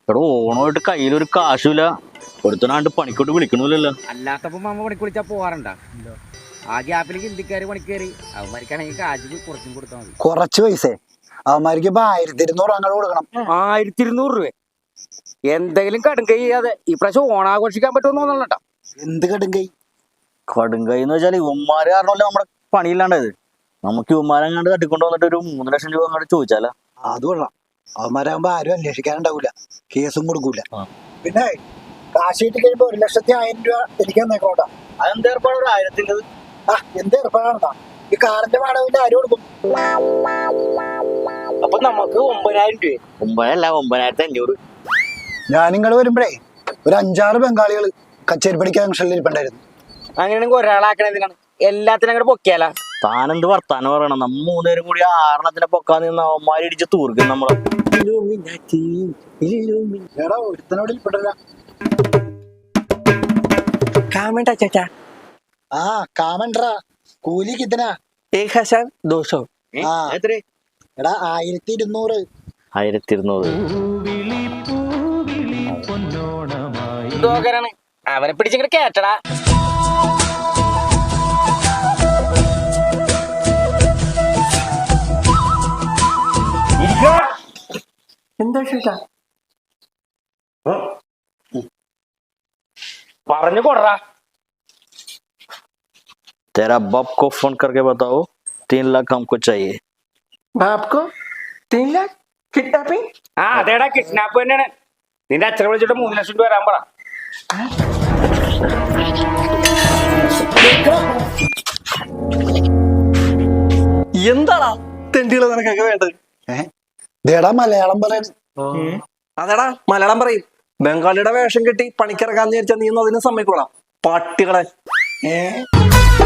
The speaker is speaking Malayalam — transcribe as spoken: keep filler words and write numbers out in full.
എടോ ഓണമായിട്ട് കയ്യിലൊരു കാശുമില്ല, ഒരുത്തനാണ്ട് പണിക്കോട്ട് വിളിക്കണില്ലല്ലോ. അല്ലാത്തപ്പോ മാമ പണിക്ക് വിളിച്ചാ പോവാറുണ്ടാ? ആ ഗ്യാപ്പിലേക്ക് ഹിന്ദിക്കാര് പണിക്ക് കയറി അവന്മാർക്കാണെങ്കിൽ കാശ് കുറച്ചും കൊടുത്താൽ മതി. കുറച്ച് പൈസ അവന്മാർക്ക് ഇപ്പൊ ആയിരത്തി ഇരുന്നൂറ് അങ്ങനെ കൊടുക്കണം. ആയിരത്തി ഇരുന്നൂറ് രൂപ എന്തെങ്കിലും കടുങ്കൈ ചെയ്യാതെ ഈ പ്രാവശ്യം ഓണാഘോഷിക്കാൻ പറ്റുമെന്ന് തോന്നണട്ടാ. എന്ത് കടുങ്കൈ? കടുങ്കൈ എന്ന് വെച്ചാൽ ഇവന്മാര് കാരണമല്ലേ നമ്മുടെ പണിയില്ലാണ്ടായത്. നമുക്ക് ഇവന്മാരെങ്ങാണ്ട് തട്ടിക്കൊണ്ട് വന്നിട്ട് ഒരു മൂന്ന് ലക്ഷം രൂപ അങ്ങോട്ട് ചോദിച്ചാലോ? അത് കൊള്ളാം. അവന്മാരാകുമ്പോ ആരും അന്വേഷിക്കാനുണ്ടാവൂല, കേസും കൊടുക്കൂല. പിന്നെ കാശ് കിട്ടി കഴിയുമ്പോ ഒരു ലക്ഷത്തി ആയിരം രൂപ എനിക്ക് തന്നേക്കോട്ടാ. അതെന്ത് ഏർപ്പാട്? ഒരു ആയിരത്തിന്റെ ആ എന്ത് ഏർപ്പാടാണെന്നാ? ഈ കാറിന്റെ വാടകവിന്റെ ആരും കൊടുക്കും. അപ്പൊ നമുക്ക് ഒമ്പതിനായിരം രൂപ. ഒമ്പതല്ല, ഒമ്പതിനായിരത്തി അഞ്ഞൂറ്. ഞാൻ നിങ്ങൾ വരുമ്പോഴേ ഒരു അഞ്ചാറ് ബംഗാളികൾ കച്ചേരി പഠിക്കാൻ ജംഗ്ഷനിൽ ഇരിപ്പുണ്ടായിരുന്നു. അങ്ങനെയാണെങ്കിൽ ഒരാളാക്കണതിനാണ് എല്ലാത്തിനും അങ്ങോട്ട് പൊക്കിയാല. താനെന്ത് വർത്താനം പറയണം? നമ്മ മൂന്നുപേരും കൂടി ആറെണ്ണത്തിനെ പൊക്കാൻ നിന്ന് അവന്മാര് ഇടിച്ച് തൂർക്കും നമ്മളെ. എടാ ഒരുത്തനോട് ഇരിപ്പുണ്ടല്ല. ആ കാമൻട്രാ, കൂലി കിത്തനാ? ആ എടാ ആയിരത്തി ഇരുന്നൂറ്. ആയിരത്തി ഇരുന്നൂറ് അവനെ പിടിച്ചിങ്ങോട്ട് കേട്ടടാ. എന്താ ചേട്ടാ പറഞ്ഞു കൊടറാ. तेरा बाप को फोन करके बताओ तीन लाख हमको चाहिए. बाप को तीन लाख किडनैपिंग? ആ അതേടാ കിഡ്നാപ്പ് തന്നെയാണ്. നിന്റെ അച്ഛനെ വിളിച്ചിട്ട് മൂന്ന് ലക്ഷം രൂപ വരാൻ പറ. എന്താടാ തെണ്ടികള് നിനക്കൊക്കെ വേണ്ടത്? ദേടാ മലയാളം പറയാൻ. അതെടാ മലയാളം പറയും. ബംഗാളിയുടെ വേഷം കെട്ടി പണിക്കിറക്കാന്ന് വിചാരിച്ചാൽ നീ ഒന്നും അതിന് സമ്മതിക്കോളാം പട്ടികളെ. ഏ